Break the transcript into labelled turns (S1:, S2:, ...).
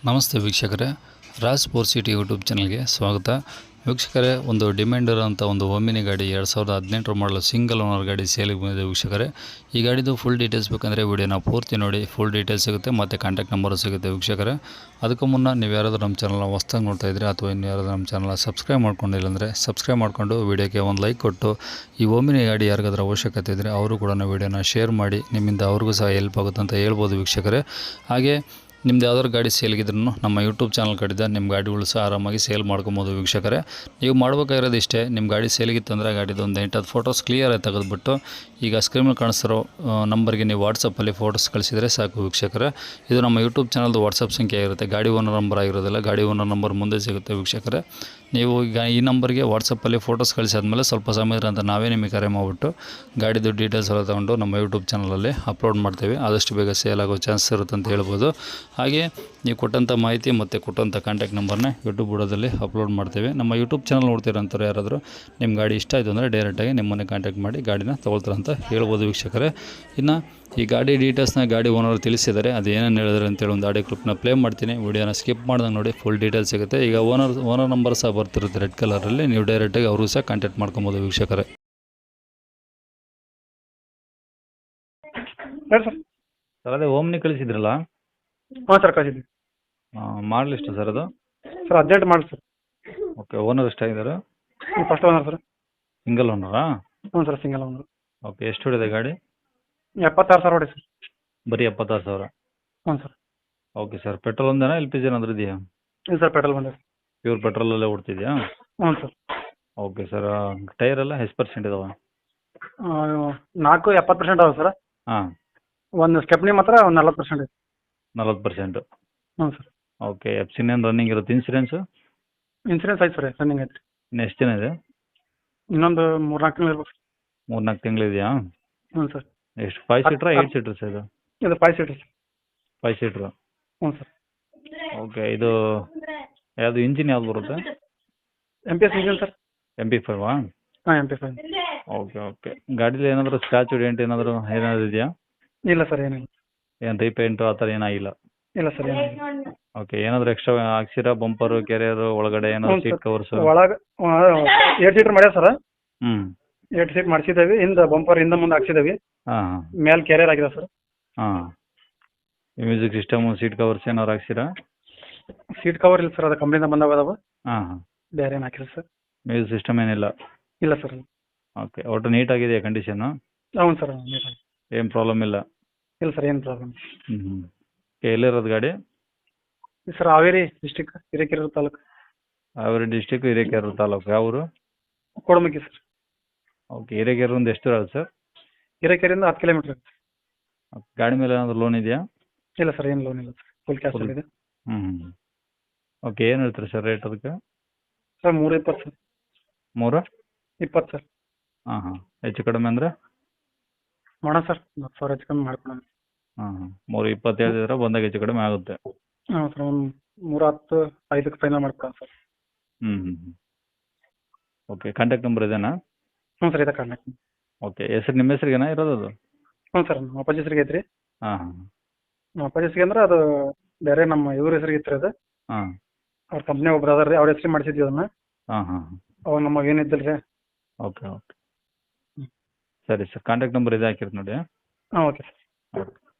S1: ನಮಸ್ತೆ ವೀಕ್ಷಕರೇ, Raj four city YouTube ಚಾನಲ್ಗೆ ಸ್ವಾಗತ. ವೀಕ್ಷಕರೇ, ಒಂದು ಡಿಮ್ಯಾಂಡ್ ಇರೋಂಥ ಒಂದು ಓಮಿನಿ ಗಾಡಿ 2018 ಮಾಡಲು ಸಿಂಗಲ್ ಓನರ್ ಗಾಡಿ ಸೇಲಿಗೆ ಬಂದಿದೆ. ವೀಕ್ಷಕರೇ, ಈ ಗಾಡಿದು ಫುಲ್ ಡೀಟೇಲ್ಸ್ ಬೇಕಂದರೆ ವಿಡಿಯೋನ ಪೂರ್ತಿ ನೋಡಿ, ಫುಲ್ ಡೀಟೇಲ್ಸ್ ಸಿಗುತ್ತೆ ಮತ್ತು ಕಾಂಟ್ಯಾಕ್ಟ್ ನಂಬರು ಸಿಗುತ್ತೆ. ವೀಕ್ಷಕರೇ, ಅದಕ್ಕೂ ಮುನ್ನ ನೀವು ಯಾರಾದರೂ ನಮ್ಮ ಚಾನಲ್ನ ಹೊಸ್ದಾಗಿ ನೋಡ್ತಾ ಇದ್ದರೆ ಅಥವಾ ಇನ್ನು ಯಾರಾದರೂ ನಮ್ಮ ಚಾನಲ್ನ ಸಬ್ಸ್ಕ್ರೈಬ್ ಮಾಡ್ಕೊಂಡಿಲ್ಲ ಅಂದರೆ ಸಬ್ಸ್ಕ್ರೈಬ್ ಮಾಡಿಕೊಂಡು ವಿಡಿಯೋಕ್ಕೆ ಒಂದು ಲೈಕ್ ಕೊಟ್ಟು, ಈ ಓಮಿನಿ ಗಾಡಿ ಯಾರಿಗಾದ್ರೂ ಅವಶ್ಯಕತೆ ಇದ್ದರೆ ಅವರು ಕೂಡ ವಿಡಿಯೋನ ಶೇರ್ ಮಾಡಿ, ನಿಮ್ಮಿಂದ ಅವ್ರಿಗೂ ಸಹ ಹೆಲ್ಪ್ ಆಗುತ್ತೆ ಅಂತ ಹೇಳ್ಬೋದು. ವೀಕ್ಷಕರೇ, ಹಾಗೆ ನಿಮ್ದು ಯಾವ್ದಾದ್ರು ಗಾಡಿ ಸೇಲ್ಗಿದ್ರೂ ನಮ್ಮ ಯೂಟ್ಯೂಬ್ ಚಾನಲ್ ಕಡೆದ ನಿಮ್ಮ ಗಾಡಿಗಳು ಸಹ ಆರಾಮಾಗಿ ಸೇಲ್ ಮಾಡ್ಕೊಬೋದು. ವೀಕ್ಷಕರೇ, ನೀವು ಮಾಡ್ಬೇಕಾಗಿರೋದು ಇಷ್ಟೇ. ನಿಮ್ಮ ಗಾಡಿ ಸೇಲ್ಗಿತ್ತಂದರೆ ಗಾಡಿದು ಒಂದು 8-10 ಫೋಟೋಸ್ ಕ್ಲಿಯರಾಗಿ ತೆಗೆದುಬಿಟ್ಟು ಈಗ ಸ್ಕ್ರೀನ್ ಮೇಲೆ ಕಾಣಿಸ್ತಿರೋ ನಂಬರ್ಗೆ ನೀವು ವಾಟ್ಸಪ್ಪಲ್ಲಿ ಫೋಟೋಸ್ ಕಳಿಸಿದರೆ ಸಾಕು. ವೀಕ್ಷಕರೇ, ಇದು ನಮ್ಮ ಯೂಟ್ಯೂಬ್ ಚಾನಲ್ದು ವಾಟ್ಸಪ್ ಸಂಖ್ಯೆ ಆಗಿರುತ್ತೆ. ಗಾಡಿ ಓನರ್ ನಂಬರ್ ಆಗಿರೋದಿಲ್ಲ, ಗಾಡಿ ಓನರ್ ನಂಬರ್ ಮುಂದೆ ಸಿಗುತ್ತೆ. ವೀಕ್ಷಕರೇ, ನೀವು ಈಗ ಈ ನಂಬರ್ಗೆ ವಾಟ್ಸಪ್ಪಲ್ಲಿ ಫೋಟೋಸ್ ಕಳಿಸಾದ್ಮೇಲೆ ಸ್ವಲ್ಪ ಸಮಯ ಅಂತ ನಾವೇ ನಿಮಗೆ ಕರೆ ಮಾಡಿಬಿಟ್ಟು ಗಾಡಿದು ಡೀಟೇಲ್ಸ್ ಎಲ್ಲ ತೊಗೊಂಡು ನಮ್ಮ ಯೂಟ್ಯೂಬ್ ಚಾನಲಲ್ಲಿ ಅಪ್ಲೋಡ್ ಮಾಡ್ತೇವೆ. ಆದಷ್ಟು ಬೇಗ ಸೇಲ್ ಆಗೋ ಚಾನ್ಸ್ ಇರುತ್ತೆ ಅಂತ ಹೇಳ್ಬೋದು. ಹಾಗೆ ನೀವು ಕೊಟ್ಟಂಥ ಮಾಹಿತಿ ಮತ್ತು ಕೊಟ್ಟಂಥ ಕಾಂಟ್ಯಾಕ್ಟ್ ನಂಬರ್ನ ಯೂಟ್ಯೂಬ್ ಬುಡದಲ್ಲಿ ಅಪ್ಲೋಡ್ ಮಾಡ್ತೇವೆ. ನಮ್ಮ ಯೂಟ್ಯೂಬ್ ಚಾನಲ್ ನೋಡ್ತಿರೋಂಥವ್ರು ಯಾರಾದರೂ ನಿಮ್ಮ ಗಾಡಿ ಇಷ್ಟ ಆಯಿತು ಅಂದರೆ ಡೈರೆಕ್ಟಾಗಿ ನಿಮ್ಮನ್ನೇ ಕಾಂಟ್ಯಾಕ್ಟ್ ಮಾಡಿ ಗಾಡಿನ ತೊಗೊಳ್ತಾರೆ ಅಂತ ಹೇಳ್ಬೋದು. ವೀಕ್ಷಕರೇ, ಇನ್ನು ಈ ಗಾಡಿ ಡೀಟೇಲ್ಸ್ನ ಗಾಡಿ ಓನರ್ ತಿಳಿಸಿದ್ದಾರೆ, ಅದು ಏನೇನು ಹೇಳಿದ್ರೆ ಅಂತೇಳಿ ಒಂದು ಆಡಿಯೋ ಕ್ಲಿಪ್ನ ಪ್ಲೇ ಮಾಡ್ತೀನಿ. ವಿಡಿಯೋನ ಸ್ಕಿಪ್ ಮಾಡ್ದಂಗೆ ನೋಡಿ, ಫುಲ್ ಡೀಟೇಲ್ಸ್ ಸಿಗುತ್ತೆ. ಈಗ ಓನರ್ ನಂಬರ್ ಸಹ ಬರ್ತಿರುತ್ತೆ ರೆಡ್ ಕಲರಲ್ಲಿ, ನೀವು ಡೈರೆಕ್ಟಾಗಿ ಅವರು ಸಹ ಕಾಂಟ್ಯಾಕ್ಟ್ ಮಾಡ್ಕೊಬೋದು. ವೀಕ್ಷಕರೇ, ಸರ್ ಅದೇ ಓಮ್ನಿ ಕಳಿಸಿದ್ರಲ್ಲ?
S2: ಹಾಂ ಸರ್, ಕಳಿಸಿದ್ವಿ.
S1: ಮಾಡಲ್ ಎಷ್ಟು ಸರ್ ಅದು?
S2: Sir 18 model sir.
S1: Okay, owner ಎಷ್ಟಾಗಿದ್ದಾರೆ?
S2: First owner sir.
S1: ಸಿಂಗಲ್ ಓನರಾ?
S2: ಹ್ಞೂ ಸರ್, ಸಿಂಗಲ್ ಓನರ್.
S1: ಓಕೆ, ಎಷ್ಟು ಹೊಡಿದೆ ಗಾಡಿ?
S2: 76,000 ಹೊಡಿ ಸರ್.
S1: ಬರೀ 76,000?
S2: ಹ್ಞೂ ಸರ್.
S1: ಓಕೆ ಸರ್, ಪೆಟ್ರೋಲ್ ಒಂದೇನಾ ಎಲ್ ಪಿ ಜಿ ಏನಾದರೂ ಇದೆಯಾ?
S2: ಇಲ್ಲ ಸರ್, ಪೆಟ್ರೋಲ್ ಬಂದಿದೆ.
S1: ಪ್ಯೂರ್ ಪೆಟ್ರೋಲಲ್ಲೇ ಓಡ್ತಿದೆಯಾ?
S2: ಹ್ಞೂ ಸರ್.
S1: ಓಕೆ ಸರ್, ಟೈರ್ ಎಲ್ಲ ಎಷ್ಟು ಪರ್ಸೆಂಟ್ ಇದಾವೆ?
S2: 70% ಅದಾವೆ ಸರ್.
S1: ಹಾಂ,
S2: ಒಂದು ಸ್ಟೆಪ್ನಿ ಮಾತ್ರ ಒಂದು 40% ಇದೆ.
S1: 40%?
S2: ಹ್ಞೂ ಸರ್.
S1: ಓಕೆ, ಎಫ್ ಸಿ ಏನು ರನ್ನಿಂಗ್ ಇರುತ್ತೆ? ಇನ್ಸೂರೆನ್ಸು?
S2: ಇನ್ಸೂರೆನ್ಸ್ ಐತೆ ಸರ್, ರನ್ನಿಂಗ್ ಐತೆ ರೀ.
S1: ಇನ್ನು ಎಷ್ಟು ದಿನ ಇದೆ?
S2: ಇನ್ನೊಂದು 3-4 ತಿಂಗಳು ಇರ್ಬೇಕು.
S1: 3-4 ತಿಂಗಳಿದೆಯಾ?
S2: ಹ್ಞೂ ಸರ್.
S1: ಎಷ್ಟು, 5 ಸೀಟ್ರಾ 8 ಸೀಟ್ರ್ ಸರ್ ಇದು?
S2: ಇದು 5 ಸೀಟರ್ ಸರ್.
S1: 5 ಸೀಟ್ರು?
S2: ಹ್ಞೂ ಸರ್.
S1: ಓಕೆ, ಇದು ಯಾವುದು ಇಂಜಿನ್ ಯಾವ್ದು ಬರುತ್ತೆ?
S2: MPS engine sir.
S1: MP5?
S2: ಹಾಂ, MP5.
S1: ಓಕೆ ಓಕೆ, ಗಾಡೀಲಿ ಏನಾದರೂ ಸ್ಕ್ರಾಚು ಡೆಂಟ್ ಏನಾದರೂ ಇದೆಯಾ?
S2: ಇಲ್ಲ ಸರ್, ಏನಿಲ್ಲ.
S1: ಏನು ರೀಪೇಂಟು ಆ ಥರ ಏನಾಗಿಲ್ಲ?
S2: ಇಲ್ಲ ಸರ್, ಏನಿಲ್ಲ.
S1: ಓಕೆ, ಏನಾದರೂ ಎಕ್ಸ್ಟ್ರಾ ಹಾಕ್ಸಿರಾ? ಬಂಪರು, ಕೆರಿಯರು ಒಳಗಡೆ ಏನಾದರೂ ಸೀಟ್ ಕವರ್ಸು?
S2: ಒಳಗೆ 8 ಸೀಟರ್ ಮಾಡ್ಯಾವ ಸರ್.
S1: ಹ್ಞೂ,
S2: 8 ಸೀಟ್ ಮಾಡಿಸಿದ್ದೇವೆ. ಹಿಂದೆ ಬಂಪರ್ ಹಿಂದೆ ಮುಂದೆ ಹಾಕ್ಸಿದ್ದೇವೆ.
S1: ಹಾಂ ಹಾಂ.
S2: ಮೇಲೆ ಕ್ಯಾರಿಯರ್ ಆಗಿದೆ ಸರ್.
S1: ಹಾಂ, ಮ್ಯೂಸಿಕ್ ಸಿಸ್ಟಮು, ಸೀಟ್ ಕವರ್ಸ್ ಏನಾದ್ರು ಹಾಕ್ಸಿರಾ?
S2: ಸೀಟ್ ಕವರ್ ಇಲ್ಲ ಸರ್, ಅದು ಕಂಪ್ನಿಯಿಂದ ಬಂದಾವ ಅದಾವ.
S1: ಹಾಂ ಹಾಂ.
S2: ಬೇರೆ ಏನು ಹಾಕಿಲ್ಲ ಸರ್.
S1: ಮ್ಯೂಸಿಕ್ ಸಿಸ್ಟಮ್ ಏನಿಲ್ಲ?
S2: ಇಲ್ಲ ಸರ್.
S1: ಓಕೆ, ಒಟ್ಟು ನೀಟಾಗಿದೆಯಾ ಕಂಡೀಷನ್ನು?
S2: ಹೌದು ಸರ್.
S1: ಏನು ಪ್ರಾಬ್ಲಮ್ ಇಲ್ಲ?
S2: ಇಲ್ಲ ಸರ್, ಏನು ಪ್ರಾಬ್ಲಮ್.
S1: ಹ್ಞೂ ಹ್ಞೂ. ಓಕೆ, ಎಲ್ಲಿರೋದು ಗಾಡಿ?
S2: Sir, Haveri district, Hirekerur taluk.
S1: Haveri district, Hirekerur taluk. ಯಾವ ಊರು?
S2: ಕೊಡಮುಖಿ ಸರ್.
S1: ಓಕೆ, ಹಿರೇಕೆರೂರಿಂದ ಎಷ್ಟು ಇರೋದು ಸರ್?
S2: ಹಿರೇಕೆರೆಯಿಂದ 10 ಕಿಲೋಮೀಟರ್.
S1: ಗಾಡಿ ಮೇಲೆ ಏನಾದರೂ ಲೋನ್ ಇದೆಯಾ?
S2: ಇಲ್ಲ ಸರ್, ಏನು ಲೋನ್ ಇಲ್ಲ ಸರ್, ಫುಲ್ ಕ್ಯಾಶ್ ಇದೆ.
S1: ಹ್ಞೂ ಹ್ಞೂ. ಓಕೆ, ಏನು ಹೇಳ್ತೀರಿ ಸರ್ ರೇಟ್ ಅದಕ್ಕೆ?
S2: Sir 320 sir.
S1: 320
S2: ಸರ್.
S1: ಹಾಂ ಹಾಂ. ಹೆಚ್ಚು ಕಡಿಮೆ ಅಂದರೆ
S2: ಮಾಡೋಣ ಸರ್, 10,000 ಹೆಚ್ಚು ಕಮ್ಮಿ ಮಾಡ್ಕೊಳೋಣ.
S1: ಹಾಂ ಹಾಂ. 320 ಹೇಳಿದ್ರೆ ಬಂದಾಗ ಹೆಚ್ಚು ಕಡಿಮೆ ಆಗುತ್ತೆ.
S2: ಹಾಂ ಸರ್, ಒಂದು 310, 5ಕ್ಕೆ ಫೈನಲ್ ಮಾಡ್ಕೊಳೋಣ ಸರ್.
S1: ಹ್ಞೂ ಹ್ಞೂ ಹ್ಞೂ. ಓಕೆ, ಕಾಂಟ್ಯಾಕ್ಟ್ ನಂಬರ್ ಇದೇನಾ?
S2: ಹ್ಞೂ ಸರ್, ಇದೆ ಕಾಂಟ್ಯಾಕ್ಟ್.
S1: ಓಕೆ, ಹೆಸರು ನಿಮ್ಮ ಹೆಸರಿಗೇನಾ ಇರೋದು ಅದು?
S2: ಹ್ಞೂ ಸರ್, ನಮ್ಮ ಅಪ್ಪಾಜಿ ಹೆಸರಿಗೆ ಐತ್ರಿ.
S1: ಹಾಂ ಹಾಂ.
S2: ನಮ್ಮ ಅಪ್ಪಾಜಿ ಹೆಸರಿಗೆ ಅಂದ್ರೆ ಅದು ಬೇರೆ ನಮ್ಮ ಇವ್ರ ಹೆಸರಿಗೆ ಇತ್ತು ಅದು.
S1: ಹಾಂ.
S2: ಅವ್ರ ಕಂಪ್ನಿ ಒಬ್ರು ಅದಾರ ರೀ, ಅವ್ರ ಹೆಸರಿಗೆ ಮಾಡಿಸಿದ್ವಿ ಅದನ್ನ.
S1: ಹಾಂ ಹಾಂ ಹಾಂ.
S2: ಅವಾಗ ನಮಗೆ ಏನಿದ್ದಿಲ್ಲ ರೀ.
S1: Okay okay. ಸರಿ ಸರ್, ಕಾಂಟ್ಯಾಕ್ಟ್ ನಂಬರ್ ಇದೆ ಹಾಕಿರ್ತೀನಿ ನೋಡಿ.
S2: ಹಾಂ, ಓಕೆ ಸರ್.
S1: ಓಕೆ.